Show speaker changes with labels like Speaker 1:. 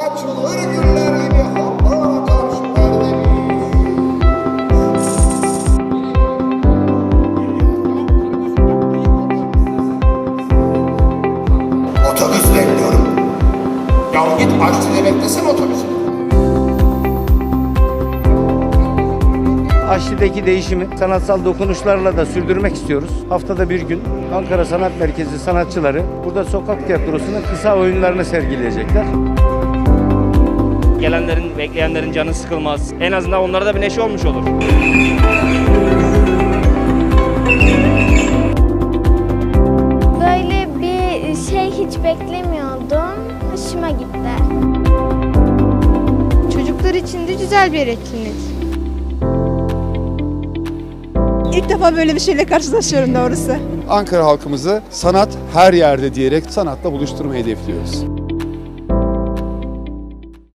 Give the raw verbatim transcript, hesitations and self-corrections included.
Speaker 1: açılır güller gibi hava karşı perdemiz. Otobüs bekliyorum. Ya git Aşçı'da beklesen otobüsü.
Speaker 2: Aşçı'daki değişimi sanatsal dokunuşlarla da sürdürmek istiyoruz. Haftada bir gün Ankara Sanat Merkezi sanatçıları burada sokak tiyatrosunun kısa oyunlarını sergileyecekler.
Speaker 3: Gelenlerin, bekleyenlerin canı sıkılmaz. En azından onlara da bir neşe olmuş olur.
Speaker 4: Böyle bir şey hiç beklemiyordum. Hoşuma gitti.
Speaker 5: Çocuklar için de güzel bir etkinlik.
Speaker 6: İlk defa böyle bir şeyle karşılaşıyorum doğrusu.
Speaker 7: Ankara halkımızı sanat her yerde diyerek sanatla buluşturmayı hedefliyoruz.